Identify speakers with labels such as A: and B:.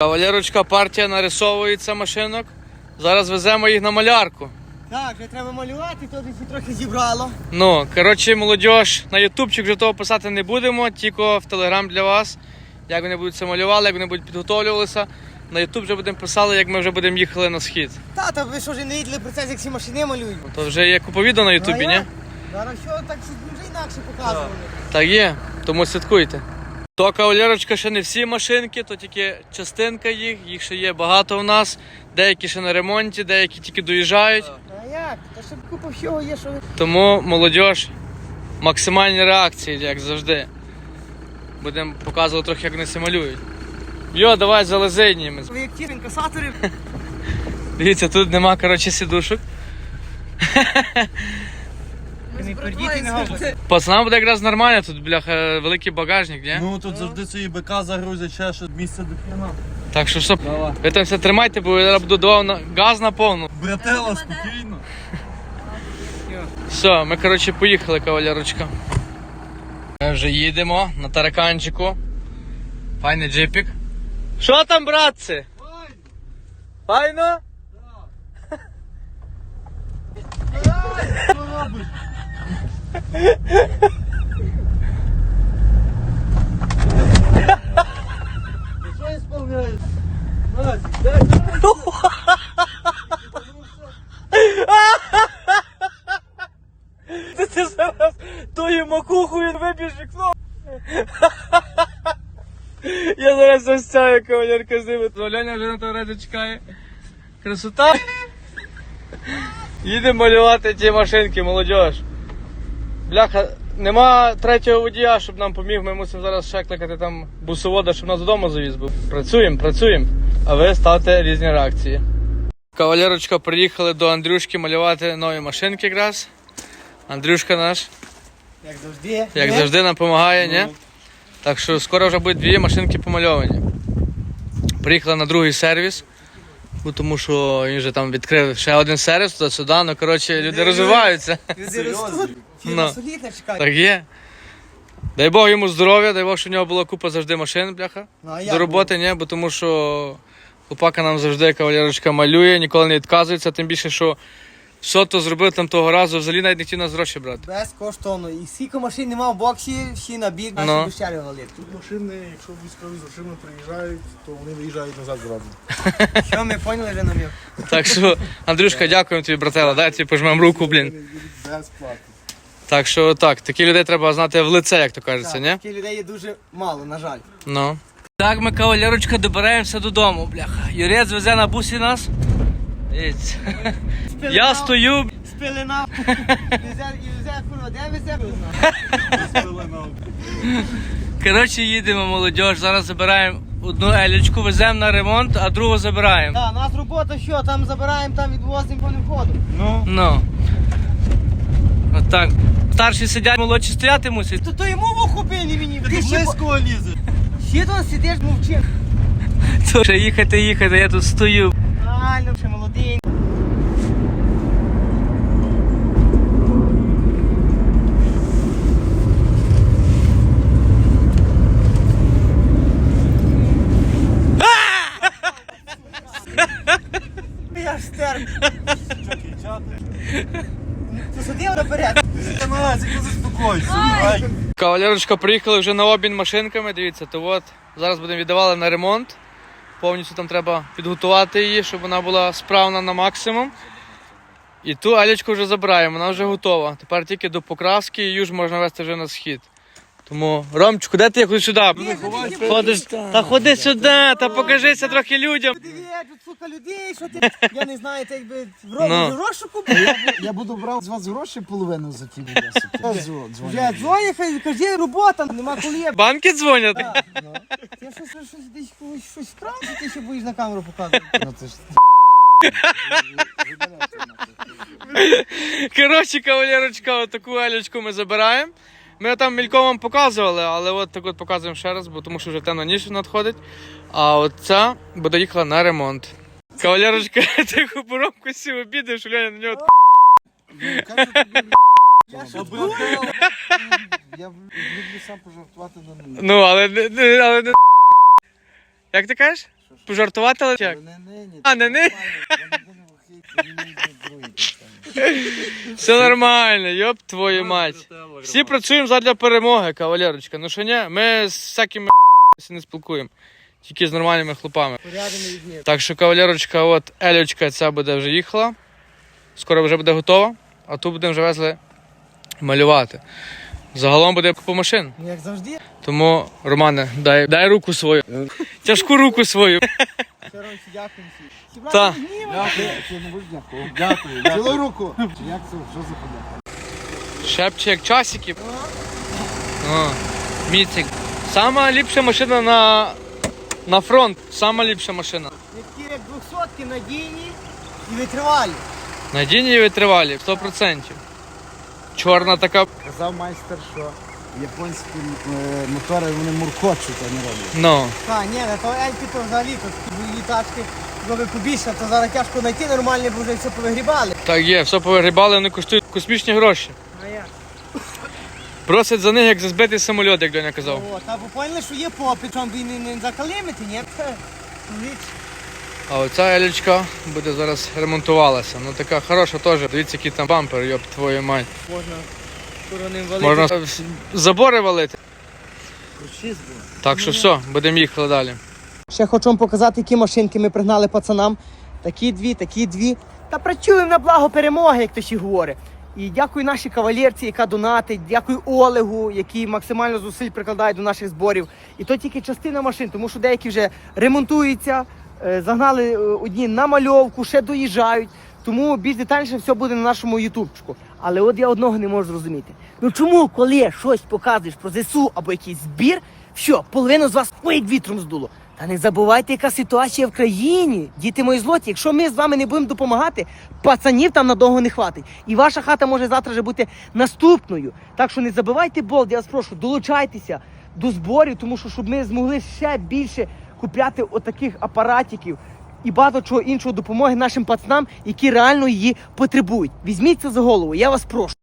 A: Валерочка, партія нарисовується машинок. Зараз веземо їх на малярку.
B: Так, вже треба малювати, то десь трохи зібрало.
A: Ну, коротше, молодіж, на ютубчик вже того писати не будемо, тільки в телеграм для вас. Як вони будуть це малювали, як вони будуть підготовлювалися. На ютуб вже будемо писали, як ми вже будемо їхали на схід.
B: Та ви що вже не їдли процес, як всі машини малюють?
A: То вже є купа відео на ютубі, ні?
B: Зараз що так щось вже інакше показували.
A: Так є, тому слідкуйте. То, кавалерочка, ще не всі машинки, то тільки частинка їх ще є багато в нас. Деякі ще на ремонті, деякі тільки доїжджають.
B: А як? Та ще купа всього є, що ви...
A: Тому, молодіж, максимальні реакції, як завжди. Будемо показувати трохи, як вони це малюють. Йо, давай залезиніємо.
B: Ви як ті інкасатори.
A: Дивіться, тут нема, коротше, сідушок.
B: Не пердіти, не говорите.
A: Пацанам буде якраз нормально, тут, бляха, великий багажник, ні?
C: Ну тут завжди свої БК загрузять, ще що місце до хрена.
A: Так що, ви там все тримайте, бо я буду давав газ на повну.
C: Братела, спокійно.
A: Все, ми, коротше, поїхали, кавалерочка. Ми вже їдемо на тараканчику. Файний джипік. Що там, братці? Файно?
C: Що робиш? Ти що ісполняєш? Настя, дай!
A: Ти зараз тою макухою вибіж вікно. Я зараз застяю, кавалерка з ними. Оленя вже на той разі чекає. Красота. Їдемо малювати ті машинки, молодіж. Бляха, нема третього водія, щоб нам поміг. Ми мусимо зараз ще кликати там бусовода, щоб нас додому завіз. Працюємо. А ви ставте різні реакції. Кавалерочка, приїхали до Андрюшки малювати нові машинки якраз. Андрюшка наш, як завжди, нам допомагає, ні? Так що скоро вже будуть дві машинки помальовані. Приїхали на другий сервіс, тому що він вже там відкрив ще один сервіс туди-сюди. Ну, коротше, люди розвиваються.
B: Люди ростуть, фірма солідна чекає.
A: Так є. Дай Бог йому здоров'я, дай Бог, щоб у нього була купа завжди машин, бляха. До роботи, ні, бо тому що хлопака нам завжди, кавалерочка, малює, ніколи не відказується, тим більше, що все то зробив там того разу, взагалі навіть не хотів нас гроші брати.
B: Безкоштовно. І скільки машин нема в боксі, всі на бік, наші дощарі валять.
C: Тут машини, якщо військові з грошима приїжджають, то вони виїжджають назад зразу.
B: Що ми поняли вже намір?
A: Так що, Андрюшка, дякуємо тобі, братела, дай тобі пожмемо руку, блін.
C: Безплатно.
A: Так що так, такі людей треба знати в лице, як то кажеться, ні?
B: Таких людей є дуже мало, на жаль.
A: Ну. Так, ми, кавалерочка, добираємося додому, бляха. Юрець везе на бусі нас. Дивіться. Я стою.
B: Спилина. Везе, курва, де везе?
A: Коротше, їдемо, молодіж. Зараз забираємо одну елічку, веземо на ремонт, а другу забираємо.
B: Так, у нас робота що, там забираємо, там відвозимо по входу.
A: Ну. Отак. Старші сидять, молодші стояти мусять.
B: То йому в охопили мені.
C: Ти близько лізе.
B: Ще тут сидиш, мовчи.
A: То вже їхати, я тут стою.
B: Реально, ще молодий. Я ж стер. Ти сидів наперед.
C: Настя, ти заспокойся.
A: Кавалерочка, приїхали вже на обмін машинками, дивіться, то от зараз будемо віддавати на ремонт. Повністю там треба підготувати її, щоб вона була справна на максимум. І ту алічку вже забираємо, вона вже готова. Тепер тільки до покраски її ж можна вести вже на схід. Тому, Ромчику, де ти? Ходи сюди. Ходиш, та ходи сюди, та покажися трохи людям.
B: Дивіться, тут сука людей, що ти, я не знаю, це якби в розшуку.
D: Я буду брати з вас гроші половину за ті відео.
B: Я дзвоню, хай кажи, робота, нема коли.
A: Банки дзвонять.
B: Ти щось десь щось вкрав, чи ти ще будеш на камеру показувати?
D: Ну це ж
A: Коротше, кавалерочка, отаку алічку ми забираємо. Ми там мільком вам показували, але от так от показуємо ще раз, бо тому що вже темна ніч надходить. А от ця буде їхала на ремонт. Кавалерочка, ти хупоромку сів обідеш, Леня на нього.
D: я люблю сам пожартувати на нулі.
A: Ну, але не... Як ти кажеш?
D: Що
A: Пожартувати але як?
D: Не нині.
A: А, не нині?
D: Все
A: Все нормально, йоп твою мать. Всі працюємо задля перемоги, кавалерочка. Ну що ні, ми з всякими не спілкуємо. Тільки з нормальними хлопами.
B: Порядами відні.
A: Так що, кавалерочка, от Елючка ця буде вже їхала. Скоро вже буде готова, а тут будемо вже везли малювати. Загалом буде купа машин.
B: Ну як завжди.
A: Тому, Романе, дай руку свою. Тяжку руку свою.
B: Все, Ромчик, дякую всім.
A: Та.
C: Дякую.
D: Цілу руку. Як це? Що за подяка?
A: Шепче як часики. О, міцик. Сама ліпша машина на фронт. Сама ліпша машина.
B: Такі як 200-ки надійні і витривалі.
A: Надійні і витривалі, 100%. Чорна така.
D: Казав майстер, що японські мотори вони муркочуть, а не роблять.
A: Ну.
B: Та, ні, на то Ельки то взагалі, то дві тачки, зроби побільше, то зараз тяжко знайти нормальні, бо вже все повигрібали.
A: Так є, все повигрібали, вони коштують космічні гроші.
B: А як?
A: Просять за них, як за збитий самоліт, як Доня казав.
B: О, та бо поняли, що є попит, чому б і не закалимити, ні?
A: А оця Елючка буде зараз ремонтувалася. Ну така хороша теж. Дивіться, який там бампер, йоп твою мать.
B: Можна короним валити.
A: Можна забори валити.
B: Кручись було.
A: Так що все, будемо їхати далі.
B: Ще хочу вам показати, які машинки ми пригнали пацанам. Такі дві. Та працюємо на благо перемоги, як то ще говорить. І дякую нашій кавалерці, яка донатить, дякую Олегу, який максимально зусиль прикладає до наших зборів. І то тільки частина машин, тому що деякі вже ремонтуються, загнали одні на мальовку, ще доїжджають. Тому більш детальніше все буде на нашому ютубчику. Але от я одного не можу зрозуміти. Ну чому, коли щось показуєш про ЗСУ або якийсь збір, що, половину з вас як вітром здуло? Та не забувайте, яка ситуація в країні. Діти мої злоті, якщо ми з вами не будемо допомагати, пацанів там надовго не хватить. І ваша хата може завтра вже бути наступною. Так що не забивайте болт, я вас прошу, долучайтеся до зборів, тому що щоб ми змогли ще більше купляти отаких апаратиків і багато чого іншого допомоги нашим пацанам, які реально її потребують. Візьміть це за голову, я вас прошу.